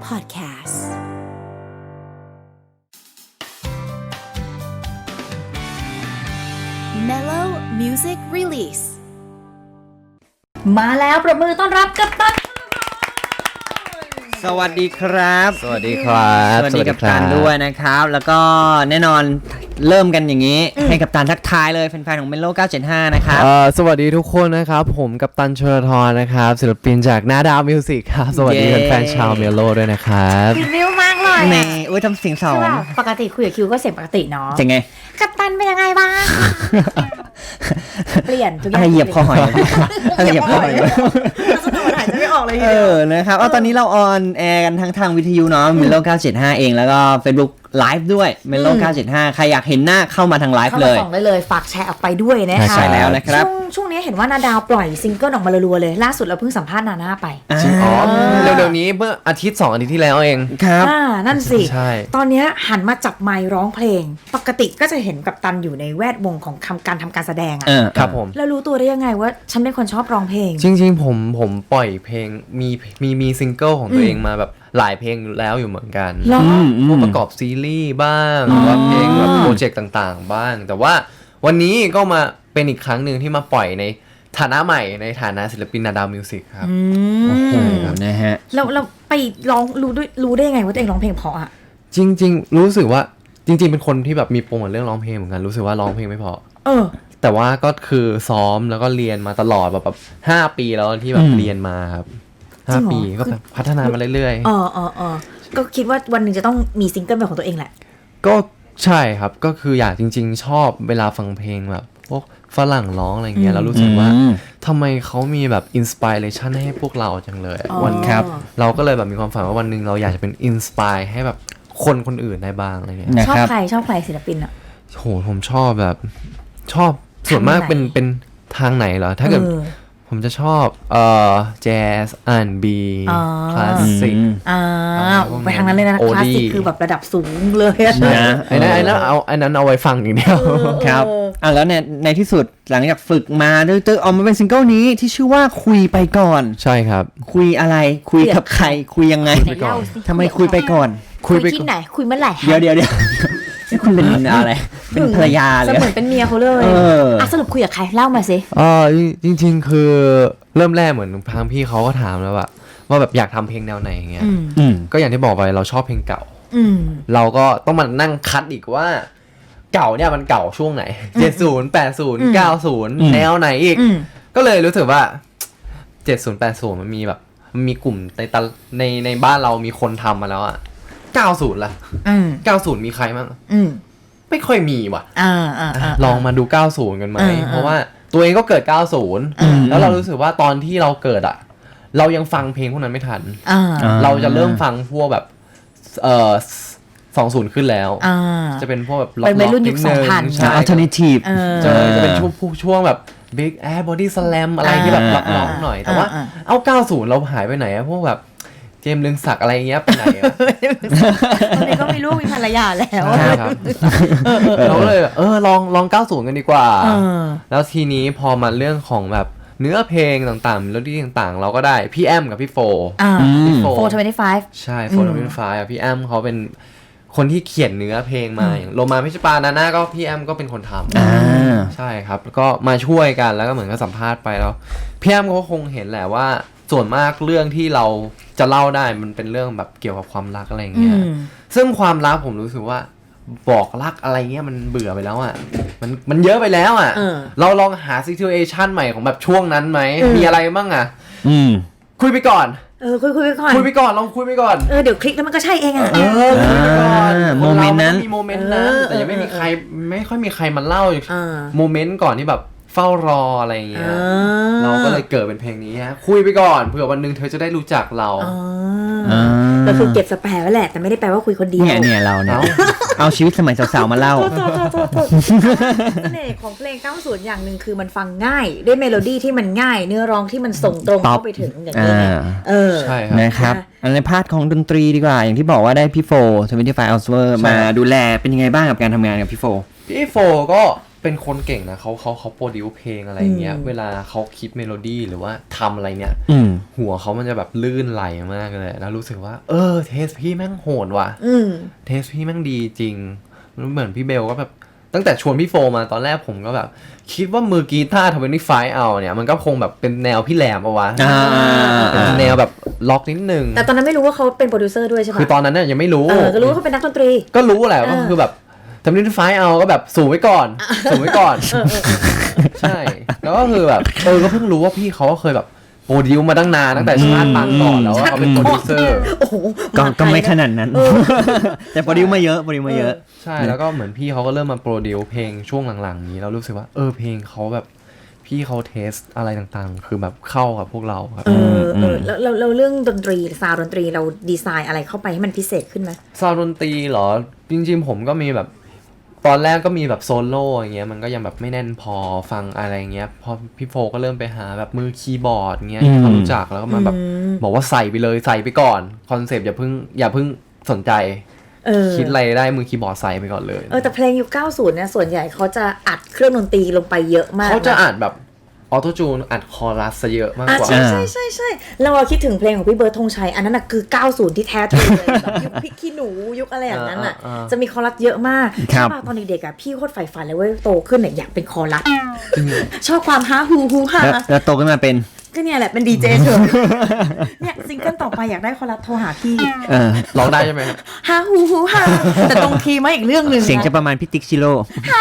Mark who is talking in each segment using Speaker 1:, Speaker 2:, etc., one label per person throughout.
Speaker 1: Podcast Mellow Music Release
Speaker 2: มาแล้วประมือต้อนรับกัปตัน
Speaker 3: สวัสดีครับ
Speaker 4: สวัสดีครับ
Speaker 3: สวัสดีกัปตันด้วยนะครับแล้วก็แน่นอนเริ่มกันอย่างนี้ให้กัปตันทักทายเลยแฟนๆของ Melo 975นะครับ
Speaker 4: สวัสดีทุกคนนะครับผมกัปตันชลธรนะครับศิลปินจากนาดาวมิวสิกครับสวัสดีแฟนๆชาวเมโลด้วยนะครับ
Speaker 2: คิววิวมากเลย
Speaker 3: ในอุ้ยทำเสียงสอง
Speaker 2: ปกติคุยกับคิวก็เสียงปกติเนาะ
Speaker 3: เจ๋งไง
Speaker 2: กัปตันเป็นยังไงบ้างเปลี่ยนทุกอย่าง
Speaker 3: อะไรเหยียบคอหอยอะไรเหยียบคอหอย
Speaker 2: สนุกหายใจไม่ออกเลย
Speaker 3: นะครับตอนนี้เราออนแอร์กันทั้งทางวิทยุเนาะ Melo 975เองแล้วก็ Facebookไลฟ์ด้วย Melo 975ใครอยากเห็นหน้าเข้ามาทางไลฟ์เลย
Speaker 2: เข้ามาส่องได้เลยฝากแชร์ออกไปด้วยนะคะ
Speaker 3: ใช่แล้วนะครับ
Speaker 2: ช่วงนี้เห็นว่านาดาวปล่อยซิงเกิลออกมารัวๆเลยล่าสุดเราเพิ่งสัมภาษณ์นาน่าไป
Speaker 4: เร็วๆนี้เมื่ออาทิตย์2 อาทิตย์ที่แล้วเอง
Speaker 3: ครับ
Speaker 2: นั่นสิ
Speaker 4: ใช่
Speaker 2: ตอนนี้หันมาจับไมค์ร้องเพลงปกติก็จะเห็นกัปตันอยู่ในแวดวงของการทำการแสดงอ่ะ
Speaker 4: ครับผม
Speaker 2: แล้วรู้ตัวได้ยังไงว่าฉันเป็นคนชอบร้องเพลง
Speaker 4: จริงๆผมปล่อยเพลงมีซิงเกิลของตัวเองมาแบบหลายเพลงแล้วอยู่เหมือนกันพวกประกอบซีรีส์บ้างหรือว่าเพลงแบบโปรเจกต์ต่างๆบ้างแต่ว่าวันนี้ก็มาเป็นอีกครั้งหนึ่งที่มาปล่อยในฐานะใหม่ในฐานะศิลปินนาดาวมิวสิกครับ
Speaker 3: โอ้โหนะฮะ
Speaker 2: แล้วไปร้องรู้ได้ยังไงว่าตัวเองร้องเพลงเพราะอ่ะ
Speaker 4: จริงๆรู้สึกว่าจริงๆเป็นคนที่แบบมีปมกับเรื่องร้องเพลงเหมือนกันรู้สึกว่าร้องเพลงไม่เพราะแต่ว่าก็คือซ้อมแล้วก็เรียนมาตลอดแบบ5 ปีแล้วที่แบบเรียนมาครับ5 ปีก็พัฒนามาเรื่อย
Speaker 2: ๆก็คิดว่าวันหนึ่งจะต้องมีซิงเกิลเป็นของตัวเองแหละ
Speaker 4: ก็ใช่ครับก็คืออยากจริงๆชอบเวลาฟังเพลงแบบพวกฝรั่งร้องอะไรเงี้ยแล้วรู้สึกว่าทำไมเขามีแบบอินสปิเรชันให้พวกเราจังเลยวันครับเราก็เลยแบบมีความฝันว่าวันหนึ่งเราอยากจะเป็นอินสปายให้แบบคนอื่นได้บ้างอะไรเงี้ย
Speaker 2: ชอบใครศิลปินอ่ะ
Speaker 4: โหผมชอบแบบชอบส่วนมากเป็นทางไหนเหรอถ้าเกิดผมจะชอบแจ๊สR&B คลาสสิก
Speaker 2: ไปทางนั้นเลยนะคลาสสิกคือแบบระดับสูงเลย
Speaker 4: นะไอ้นั้นเอาไว้ฟังอย่างเดียว
Speaker 3: ครับแล้วในที่สุดหลังจากฝึกมาด้วยออกมาเป็นซิงเกิลนี้ที่ชื่อว่าคุยไปก่อน
Speaker 4: ใช่ครับ
Speaker 3: คุยอะไรคุยกับใครคุยยังไงทำไมคุยไปก่อน
Speaker 2: คุยที่ไหนคุยเมื่อไหร่
Speaker 3: เดี๋ยวนี่คุณเป็นอะไรเป็นภรรยาเลย
Speaker 2: เหมือนเป็นเมียเขาเลยสรุปคุยกับใครเล่ามาสิ
Speaker 4: จริงๆคือเริ่มแรกเหมือนทางพี่เขาก็ถามแล้วว่าแบบอยากทำเพลงแนวไหนอย่างเงี้ยก็อย่างที่บอกไปเราชอบเพลงเก่าเราก็ต้องมานั่งคัดอีกว่าเก่าเนี่ยมันเก่าช่วงไหน70 80 90แนวไหนอีกก็เลยรู้สึกว่า70 80มันมีแบบมันมีกลุ่มในบ้านเรามีคนทำมาแล้วอ่ะ90ล่ะ90มีใครบ้างไม่ค่อยมีว่ะลองมาดู90กันไหมเพราะว่าตัวเองก็เกิด90แล้วเรารู้สึกว่าตอนที่เราเกิดอ่ะเรายังฟังเพลงพวกนั้นไม่ทันเราจะเริ่มฟังพวกแบบ20ขึ้นแล้วจะเป็นพวกแบบ
Speaker 2: ล็อกๆนิดนึง
Speaker 3: ใช่ alternative
Speaker 4: จะเป็นช่วงแบบ Big Air Body Slam อะไรที่แบบล็อกๆหน่อยแต่ว่าเอา90เราหายไปไหนอะพวกแบบเจมส์เรืองศักดิ์อะไรเงี้ยไปไหน
Speaker 2: ตอนนี้ก็มีลูกมีภรรยาแล้ว
Speaker 4: เราเลยลอง90กันดีกว่าแล้วทีนี้พอมาเรื่องของแบบเนื้อเพลงต่างๆเมโลดี้ต่างๆเราก็ได้พี่แอมกับพี่โฟ
Speaker 2: 425
Speaker 4: ใช่425พี่แอมเขาเป็นคนที่เขียนเนื้อเพลงมาอย่างโลมาพิชปานาน่าก็พี่แอมก็เป็นคนทำใช่ครับแล้วก็มาช่วยกันแล้วก็เหมือนกับสัมภาษณ์ไปแล้วพี่แอมก็คงเห็นแหละว่าส่วนมากเรื่องที่เราจะเล่าได้มันเป็นเรื่องแบบเกี่ยวกับความรักอะไรเงี้ยซึ่งความรักผมรู้สึกว่าบอกรักอะไรเงี้ยมันเบื่อไปแล้วอ่ะมันเยอะไปแล้วอ่ะเราลองหา situation ใหม่ของแบบช่วงนั้นไหมมีอะไรบ้างอ่ะคุยไปก่อน
Speaker 2: คุยไปก่อน
Speaker 4: ลองคุยไปก่อน
Speaker 2: เดี๋ยวคลิกแล้วมันก็ใช่เองอ่ะ
Speaker 4: คุยไปก่อน
Speaker 3: โมเมนต์นั้น
Speaker 4: มีโมเมนต์นั้นแต่ยังไม่ค่อยมีใครมาเล่าโมเมนต์ก่อนที่แบบเฝ้ารออะไรอย่างเงี้ยเราก็เลยเกิดเป็นเพลงนี้ฮะคุยไปก่อนเผื่อวันนึงเธอจะได้รู้จักเรา
Speaker 2: ก็คือเก็บสแปร์ไว้แหละแต่ไม่ได้แปลว่าคุยคนเดียว
Speaker 3: เนี่ยเราเนี่ยเอาชีวิตสมัยสาวๆมาเล่า
Speaker 2: เสน่ห์ของเพลง90อย่างนึงคือมันฟังง่ายด้วยเมโลดี้ที่มันง่ายเนื้อร้องที่มันส่งตรงเข้าไปถึงอย่างนี้
Speaker 3: ใช่ครับนะครับในพาร์ทของดนตรีดีกว่าอย่างที่บอกว่าได้พี่โฟ25 Hours มาดูแลเป็นยังไงบ้างกับการทำงานกับพี่โฟ
Speaker 4: ก็เป็นคนเก่งนะเขาโปรดิวเพลงอะไรเงี้ยเวลาเขาคิดเมโลดี้หรือว่าทำอะไรเนี่ยหัวเขามันจะแบบลื่นไหลมากเลยแล้วรู้สึกว่าเทสพี่แม่งโหดว่ะเทสพี่แม่งดีจริงเหมือนพี่เบลก็แบบตั้งแต่ชวนพี่โฟมาตอนแรกผมก็แบบคิดว่ามือกีตาร์25เอาเนี่ยมันก็คงแบบเป็นแนวพี่แหลมเอาวะเป็นแนวแบบล็อกนิดนึง
Speaker 2: แต่ตอนนั้นไม่รู้ว่าเขาเป็นโปรดิวเซอร์ด้วยใช่ปะ
Speaker 4: คือตอนนั้นเนี่ยยังไม่รู้
Speaker 2: ก็รู้ว่าเขาเป็นนักดนตรี
Speaker 4: ก็รู้แหละก็คือแบบ25เอาก็แบบสูงไว้ก่อนสูงไว้ก่อนใช่แล้วก็คือแบบก็เพิ่งรู้ว่าพี่เขาก็เคยแบบโปรดิวมาตั้งนานตั้งแต่ชาติปางก่อนแล้วว่าเขาเป็นโปรดิวเซอร์
Speaker 3: ก็ไม่ขนาดนั้นแต่โปรดิวมาเยอะ
Speaker 4: ใช่แล้วก็เหมือนพี่เขาก็เริ่มมาโปรดิวเพลงช่วงหลังๆนี้แล้วรู้สึกว่าเพลงเขาแบบพี่เขาเทสอะไรต่างๆคือแบบเข้ากับพวกเราครับ
Speaker 2: แล้วเรื่องดนตรีซาวด์ดนตรีเราดีไซน์อะไรเข้าไปให้มันพิเศษขึ้นไหม
Speaker 4: ซาวด์ดนตรีเหรอจริงๆผมก็มีแบบตอนแรกก็มีแบบโซโล่อย่างเงี้ยมันก็ยังแบบไม่แน่นพอฟังอะไรเงี้ยพอพี่โฟก็เริ่มไปหาแบบมือคีย์บอร์ดเงี้ยเขารู้จักแล้วก็มาแบบบอกว่าใส่ไปเลยใส่ไปก่อนคอนเซปต์อย่าเพิ่งสนใจคิดอะไรได้มือคีย์บอร์ดใส่ไปก่อนเลย
Speaker 2: แต่เพลงยุค90เนี่ยส่วนใหญ่เขาจะอัดเครื่องดนตรีลงไปเยอะมาก
Speaker 4: เขาจะอัดแบบออโต้จูนอัดคอรัสซะเยอะมากกว่า
Speaker 2: ใช่เราคิดถึงเพลงของพี่เบิร์ดธงชัยอันนั้นน่ะคือ90ที่แท้ทรูเลยแบบยุคพริกขี้หนูยุคอะไรอย่างนั้นน่ะจะมีคอรัสเยอะมากตอนเด็กๆอ่ะพี่โคตรใฝ่ฝันเลยเว้ยโตขึ้นเนี่ยอยากเป็นคอรัสชอบความฮาฮูฮา
Speaker 3: แล้วโตขึ้นมาเป็น
Speaker 2: ก็เนี่ยแหละเป็นดีเจเฉยเนี่ยซิงเกิลต่อไปอยากได้คอรัสโทรหาพี่
Speaker 4: ร้องได้ใช่ไหม
Speaker 2: ฮาฮูฮาแต่ตรงคีย์มาอีกเรื่องนึง
Speaker 3: เสียงจะประมาณพี่ติ๊กชิโร่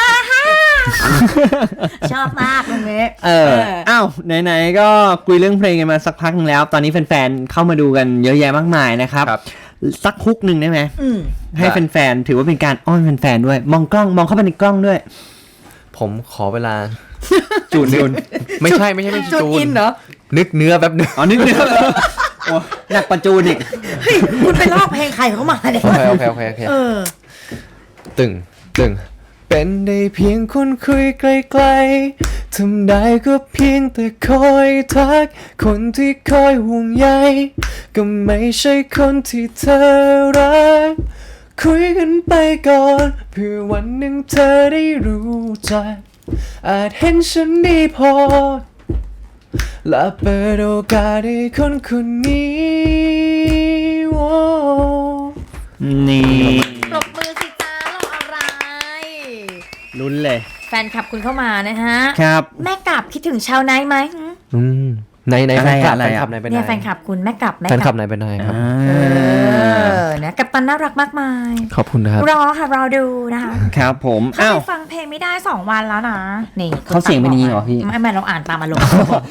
Speaker 2: ชอบมากตรงนี้
Speaker 3: อ้าวไหนๆก็คุยเรื่องเพลงกันมาสักพักนึงแล้วตอนนี้แฟนๆเข้ามาดูกันเยอะแยะมากมายนะครับสักฮุกนึงได้ไหมให้แฟนๆถือว่าเป็นการอ้อนแฟนๆด้วยมองกล้องมองเข้าไปในกล้องด้วย
Speaker 4: ผมขอเวลาจูนไม่ใช่จูน
Speaker 2: เหรอ
Speaker 4: นึกเนื้อแบบนึง
Speaker 3: นึกเนื้อหนักประจูนอีก
Speaker 2: เฮ้ยคุณไปลอกเพลงใครเขามาเนี่ย
Speaker 4: โอเคตึงเป็นได้เพียงคนคุยไกลๆทำได้ก็เพียงแต่คอยทักคนที่คอยห่วงใยก็ไม่ใช่คนที่เธอรักคุยกันไปก่อนเพื่อวันหนึ่งเธอได้รู้จักอาจเห็นฉันดีพอและเปิดโอกาสให้คนคนนี้
Speaker 3: นี่
Speaker 2: ปรบมือสิจ้ารออะไร
Speaker 3: ลุ้นเลย
Speaker 2: แฟนคลับคุณเข้ามานะฮะ
Speaker 3: ครับ
Speaker 2: แม่กลับคิดถึงชาวไนท์ไหม
Speaker 4: ในแฟนคลับไหนเป็น
Speaker 2: เนี่ยแฟนคลับคุณแม่กลับ
Speaker 4: แฟนคลับไหนเป็นไหนครับ
Speaker 2: นะกัปตันน่ารักมากมาย
Speaker 4: ขอบคุณครับ
Speaker 2: รอค่ะรอดูนะคะ
Speaker 3: ครับผม
Speaker 2: เขาไปฟังเพลงไม่ได้2วันแล้วนะนี่
Speaker 3: เขาเสียงเป็นนี้เหรอพี่
Speaker 2: ไม่เราอ่านตามอารมณ์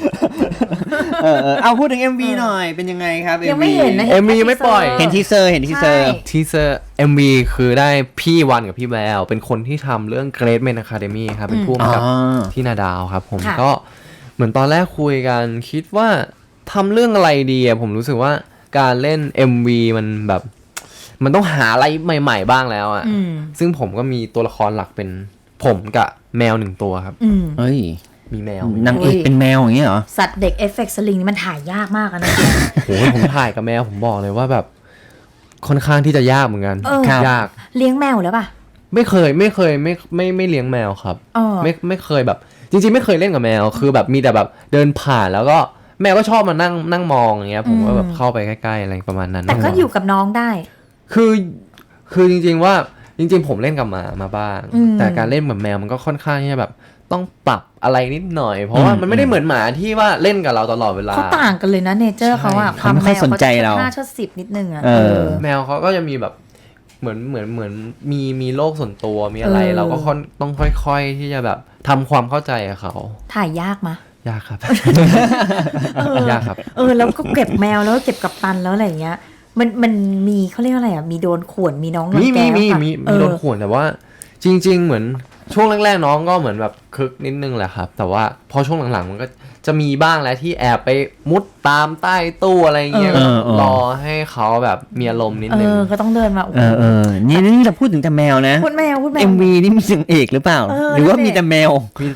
Speaker 3: เอาพูดถึง MV หน่อยเป็นยังไงครับ
Speaker 2: ยังไม่เห็นนะ
Speaker 4: MV ยังไม่ปล่อย
Speaker 3: เห็นทีเซอร์
Speaker 4: MV คือได้พี่วันกับพี่แววเป็นคนที่ทำเรื่อง Great Men Academy ครับเป็นผู้กำกับที่นาดาวครับผมก็เหมือนตอนแรกคุยกันคิดว่าทำเรื่องอะไรดีอะผมรู้สึกว่าการเล่น MV มันแบบมันต้องหาอะไรใหม่ๆบ้างแล้วอะซึ่งผมก็มีตัวละครหลักเป็นผมกับแมว1ตัวครับ
Speaker 3: เฮ้ย
Speaker 4: มีแมวน
Speaker 3: างเอกเป็นแมวอย่างเงี้ยเหรอ
Speaker 2: สัตว์เด็กเอฟเฟกต์สลิงนี่มันถ่ายยากมากนะ
Speaker 4: โอ้โหผมถ่ายกับแมวผมบอกเลยว่าแบบค่อนข้างที่จะยากเหมือนกันยาก
Speaker 2: เลี้ยงแมวแล้วป่ะ
Speaker 4: ไม่เคยไม่เลี้ยงแมวครับไม่เคยแบบจริงๆไม่เคยเล่นกับแมวคือแบบมีแต่แบบเดินผ่านแล้วก็แมวก็ชอบมานั่งมองอย่างเงี้ยผมก็แบบเข้าไปใกล้ๆอะไรประมาณนั้น
Speaker 2: แต่ก็อยู่กับน้องได้
Speaker 4: คือจริงๆว่าจริงๆผมเล่นกับมาบ้างแต่การเล่นกับแมวมันก็ค่อนข้างที่จะแบบต้องปรับอะไรนิดหน่อยเพราะว่ามันไม่ได้เหมือนหมาที่ว่าเล่นกับเราตลอดเวลา
Speaker 2: เขาต่างกันเลยนะเนเจอร์เขาอะ
Speaker 3: ความแมวเขาจะ
Speaker 2: 5-10นิดนึงอะ
Speaker 4: แมวเขาก็จะมีแบบเหมือนมีโลกส่วนตัวมีอะไรเราก็ต้องค่อยๆที่จะแบบทำความเข้าใจกับเขา
Speaker 2: ถ่ายยากมะ
Speaker 4: ยากครับยากครับ
Speaker 2: แล้วก็เก็บแมวแล้วก็เก็บกับตันแล้วอะไรอย่างเงี้ยมันมีเขาเรียกอะไรอ่ะมีโดนข่วนมีน้องรังแก
Speaker 4: มีโดนข่วนแต่ว่าจริงๆเหมือนช่วงแรกๆน้องก็เหมือนแบบคึกนิดนึงแหละครับแต่ว่าพอช่วงหลังๆมันก็จะมีบ้างแล้วที่แอบไปมุดตามใต้ตู้อะไรเงี้ยรอให้เขาแบบมีอารมณ์นิดนึง
Speaker 2: ก็ต้องเดินมา
Speaker 3: นี่เราพูดถึงแต่แมวนะ
Speaker 2: พูดแมว
Speaker 3: MV นี่มีเสียงเอกหรือเปล่าหรือว่ามีแต่แมว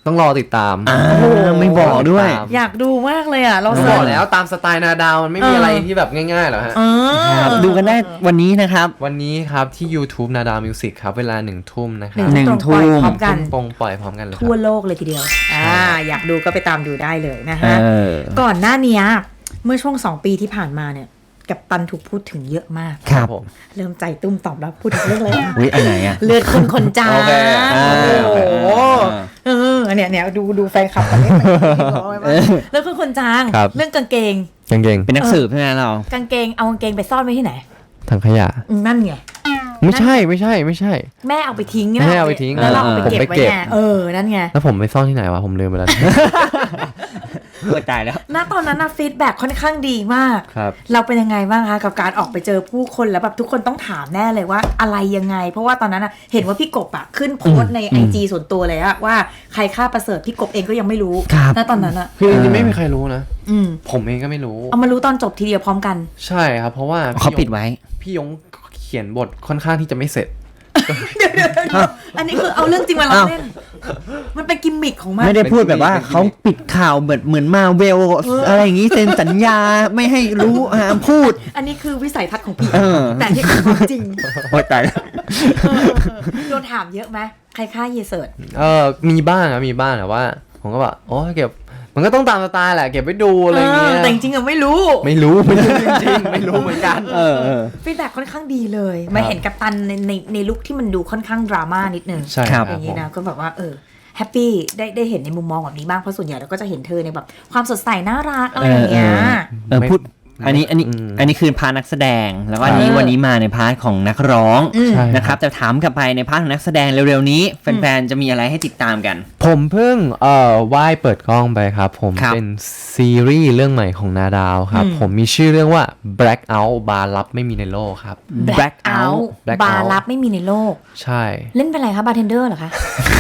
Speaker 4: ต้องรอติดตาม
Speaker 3: ไม่บอกด้วย
Speaker 2: อยากดูมากเลยอ่ะเรา
Speaker 4: บ
Speaker 2: เสิ
Speaker 4: อ
Speaker 2: ร์
Speaker 4: ก
Speaker 2: ช
Speaker 4: แล้วตามสไตล์นาดาวมันไม่มีอะไรที่แบบง่ายๆหรอกฮะ
Speaker 3: ครับดูกันได้วันนี้นะครับ
Speaker 4: วันนี้ครับที่ YouTube นาดาวมิวสิกครับเวลา1 ทุ่มนะครับ
Speaker 3: หนึ่งทุ่ม
Speaker 2: ปล่อยพร้อมกัน
Speaker 4: ปงปล่อยพร้อมกันเลยค
Speaker 2: ทั่ว
Speaker 4: รับ
Speaker 2: โลกเลยทีเดียวอยากดูก็ไปตามดูได้เลยนะ
Speaker 3: เอ
Speaker 2: ฮะ
Speaker 3: อ
Speaker 2: ก่อนหน้านี้เมื่อช่วง2 ปีที่ผ่านมาเนี่ยกัปตันถูกพูดถึงเยอะมาก
Speaker 3: ครับ
Speaker 4: ผม
Speaker 2: เริ่มใจตุ้มตอบรับพูดถึงเรื่องอะไรนะ
Speaker 3: อุ้ยอันไหนอ่ะ
Speaker 2: เลือดคนคนจาง
Speaker 4: โอเค
Speaker 2: โอ้โหเนี่ยดูแฟนคลับกันเนี่ยเลือดคนคนจาง
Speaker 4: ครับ
Speaker 2: เรื่องกางเกง
Speaker 4: กางเกง
Speaker 3: เป็นนักสืบใช่ไหมเรา
Speaker 2: กางเกงเอากางเกงไปซ่อนไว้ที่ไหน
Speaker 4: ถังขยะ
Speaker 2: นั่นไง
Speaker 4: ไม่ใช่ไม่ใช่
Speaker 2: แม่เอาไปทิ้ง
Speaker 4: แม่เอาไปทิ้ง
Speaker 2: แล้วเราเอาไป
Speaker 4: ผม
Speaker 2: เก็บ
Speaker 4: ไป
Speaker 2: ไว้
Speaker 4: เก็บ
Speaker 2: ไงนั่นไง
Speaker 4: แล้วผมไปซ่อนที่ไหนวะผมลืมไปแล้ว
Speaker 3: เปิดตายแล้ว
Speaker 2: ณตอนนั้นฟีดแบ็ค่อนข้างดีมาก
Speaker 4: ครับ
Speaker 2: เราเป็นยังไงบ้างคะกับการออกไปเจอผู้คนแล้วแบบทุกคนต้องถามแน่เลยว่าอะไรยังไง เพราะว่าตอนนั้นเห็นว่าพี่กบขึ้นโพสต์ใน IG ส่วนตัวเลยว่าใครฆ่าประเสริฐพี่กบเองก็ยังไม่รู้
Speaker 3: ครับ
Speaker 2: ณตอนนั้น
Speaker 4: คือจริงๆไม่มีใครรู้นะ
Speaker 2: อืม
Speaker 4: ผมเองก็ไม่รู้
Speaker 2: เอามารู้ตอนจบทีเดียวพร้อมกัน
Speaker 4: ใช่ครับ เพราะว่า
Speaker 3: เขาปิดไว้
Speaker 4: พี่ยงเขียนบทค่อนข้างที่จะไม่เสร็จ
Speaker 2: อันนี้คือเอาเรื่องจริงมาล้อเล่น มันเป็นกิมมิคของมัน
Speaker 3: ไม่ได้พูดแบบว่าเขาปิดข่าวแบบเหมือนมาเวลอะไรอย่างนี้เซ็นสัญญาไม่ให้รู้ห้ามพูด
Speaker 2: อันนี้คือวิสัยทัศน์ของพี่ แต่ที่เป็นความจริง
Speaker 3: โอ้ยตายแล้ว
Speaker 2: โดนถามเยอะไหมใครฆ่าเยเสิร์ต
Speaker 4: มีบ้างนะมีบ้างแต่ว่า ผมก็แบบโอ้เก็บมันก็ต้องตามสไตล์แหละเก็บไว้ดูอะไรเงี้ย
Speaker 2: แต่จริงๆไม่รู้
Speaker 4: ไม่รู้จริงๆไม่รู้เหมือนกัน
Speaker 2: ฟีดแบ็ค่อนข้างดีเลยมาเห็นกัปตันในลุคที่มันดูค่อนข้างดราม่านิดนึง
Speaker 4: ใช่ครับ
Speaker 2: อย่างนี้นะก็แบบว่าแฮปปี้ได้เห็นในมุมมองแบบนี้บ้างเพราะส่วนใหญ่เราก็จะเห็นเธอในแบบความสดใสน่ารักอะไรอย่างเงี้ย
Speaker 3: พูดอันนี้คือพาร์ทนักแสดงแล้วก็วันนี้มาในพาร์ทของนักร้องนะครับแต่ถามกลับไปในพาร์ทของนักแสดงเร็วๆนี้แฟนๆจะมีอะไรให้ติดตามกัน
Speaker 4: ผมเพิ่งว่ายเปิดกล้องไปครับผมเป็นซีรีส์เรื่องใหม่ของนาดาวครับผมมีชื่อเรื่องว่า Blackout บาร์ลับไม่มีในโลกครับ
Speaker 2: Blackout บาร์ลับไม่มีในโลก
Speaker 4: ใช่
Speaker 2: เล่นเป็นอะไรคะบาร์เทนเดอร์เหรอคะ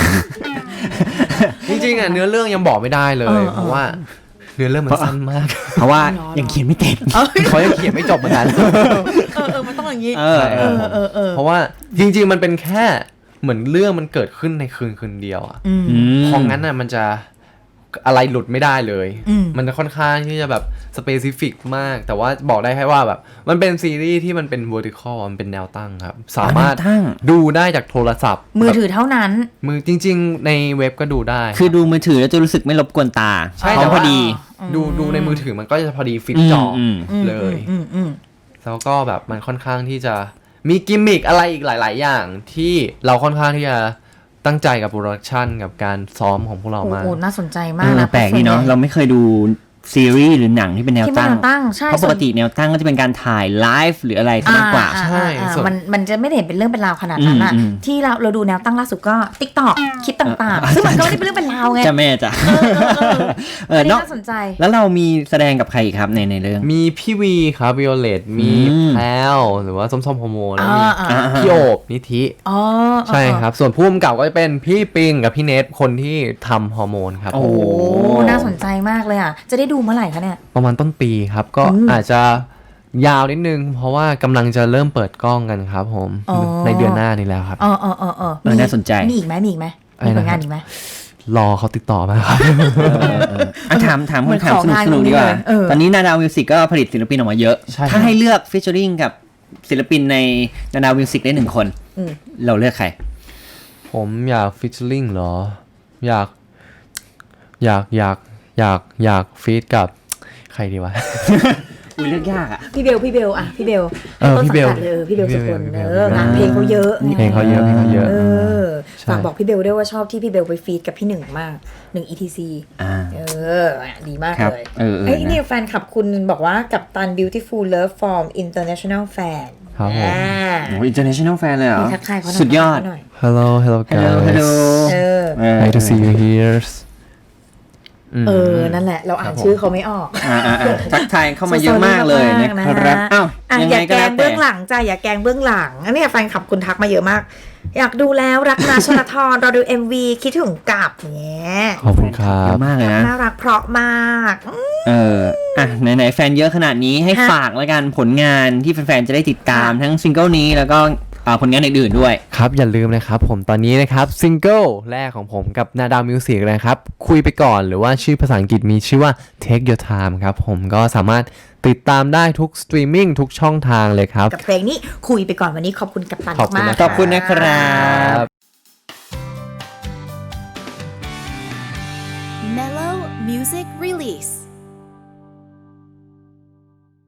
Speaker 4: จริงๆเนื้อเรื่องยังบอกไม่ได้เลยเพราะว่าเนื้อเรื่องมันสั้นมาก
Speaker 3: เพราะว่ายังเขียนไม่เต็ม
Speaker 4: เขายังเขียนไม่จบเหมือนกัน
Speaker 2: มันต้องอย่างนี้
Speaker 4: เพราะว่าจริงๆมันเป็นแค่เหมือนเรื่องมันเกิดขึ้นในคืนเดียวอ่ะเพราะงั้นน่ะมันจะอะไรหลุดไม่ได้เลยมันจะค่อนข้างที่จะแบบสเปซิฟิกมากแต่ว่าบอกได้แค่ว่าแบบมันเป็นซีรีส์ที่มันเป็น vertical มันเป็นแนวตั้งครับสามารถดูได้จากโทรศัพท์
Speaker 2: มือถือเท่านั้น
Speaker 4: มือจริงๆในเว็บก็ดูได้
Speaker 3: คือดูมือถือแล้วจะรู้สึกไม่รบกวนตา
Speaker 4: ใช่
Speaker 3: แต่พอดี
Speaker 4: ดูในมือถือมันก็จะพอดีฟิตจอเลยแล้วก็แบบมันค่อนข้างที่จะมีกิมมิคอะไรอีกหลายๆอย่างที่เราค่อนข้างที่จะตั้งใจกับโปรดักชันกับการซ้อมของพวกเรามาก
Speaker 2: โอ้น่าสนใจมากนะ
Speaker 3: แปลกดีเนาะเราไม่เคยดูซีรีส์หรือหนังที่เป็นแนวตั้ง
Speaker 2: ใช่
Speaker 3: เพราะปกติแนวตั้งก็จะเป็นการถ่ายไลฟ์หรืออะไรมากกว่า
Speaker 4: ใช่
Speaker 2: มันจะไม่ได้เห็นเป็นเรื่องเป็นราวขนาดนั้นอะที่เราดูแนวตั้งล่าสุดก็ TikTok คลิปต่างๆซึ่งมันก็ไม่ได้เป็นเรื่องเป็นราวไง
Speaker 3: จะแม่จ้ะ
Speaker 2: น่าสนใจ
Speaker 3: แล้วเรามีแสดงกับใครอีกครับในเรื่อง
Speaker 4: มีพี่วีครับวิโอเลตมีแพลวหรือว่าส้มๆฮอร์โมนแล้วมีพี่โอบนิธิใช่ครับส่วนผู้กำกับก็จะเป็นพี่ปิงกับพี่เนทคนที่ทำฮอร์โมนครับ
Speaker 2: โอ้น่าสนใจมากเลยอ่ะจะได้ดูเมื่อไหร่คะเนี่ย
Speaker 4: ประมาณต้นปีครับก็อาจจะยาวนิดนึงเพราะว่ากำลังจะเริ่มเปิดกล้องกันครับผมในเดือนหน้านี้แล้วครับ
Speaker 3: น่าสนใจ
Speaker 2: มีอีกไหมมีผลงานอีกไหม
Speaker 4: รอเขาติดต่อมาครับ
Speaker 3: ถามคำถามสนุกดีกว่าตอนนี้นาดาวมิวสิกก็ผลิตศิลปินออกมาเยอะถ้าให้เลือกฟีเจอริ่งกับศิลปินในนาดาวมิวสิกได้1 คนเราเลือกใคร
Speaker 4: ผมอยากฟีเจอริ่งเหรออยากฟีดกับใครดีวะ
Speaker 3: อุ้ยเลือกยากอ่ะ
Speaker 2: พี่เบลพี่เบลพี่เบลสุกลงานเพลงเขาเยอะ
Speaker 4: เพลงเขาเยอะ
Speaker 2: ฝากบอกพี่เบลด้วยว่าชอบที่พี่เบลไปฟีดกับพี่หนึ่งมาก1 ETC ดีมากเลยไอ้นี่แฟนคลับคุณบอกว่ากัปตัน Beautiful Love from International Fan
Speaker 4: ครับผม
Speaker 3: International Fan เลยเหรอ
Speaker 2: สุ
Speaker 3: ดยอด
Speaker 4: Hello guys nice to see you here
Speaker 2: นั่นแหละเราอ่านชื่อเขาไม่ออก
Speaker 3: ทักทายเข้ามาเยอะมากเลยนะครับ
Speaker 2: อย่าแกงเบื้องหลังจ้ะอย่าแกงเบื้องหลังอันนี้แฟนคลับคุณทักมาเยอะมากอยากดูแล้วรักนาชลธรรอดู MV คิดถึงกับเนี่ย
Speaker 4: ขอบคุณครับ
Speaker 3: เยอะมากเลยนะ
Speaker 2: น่ารักเพราะมาก
Speaker 3: ไหนแฟนเยอะขนาดนี้ให้ฝากแล้วกันผลงานที่แฟนๆจะได้ติดตามทั้งซิงเกิลนี้แล้วก็ผลงานอื่นๆด้วย
Speaker 4: ครับอย่าลืมนะครับผมตอนนี้นะครับซิงเกิลแรกของผมกับนาดาวมิวสิกนะครับคุยไปก่อนหรือว่าชื่อภาษาอังกฤษมีชื่อว่า Take Your Time ครับผมก็สามารถติดตามได้ทุกสตรีมมิ่งทุกช่องทางเลยครับ
Speaker 2: กับเพลงนี้คุยไปก่อนวันนี้ขอบคุณกัปตัน
Speaker 4: ขอบคุณ
Speaker 2: มาก
Speaker 4: นะ
Speaker 3: ขอบคุณนะครับ
Speaker 1: Mellow Music Release.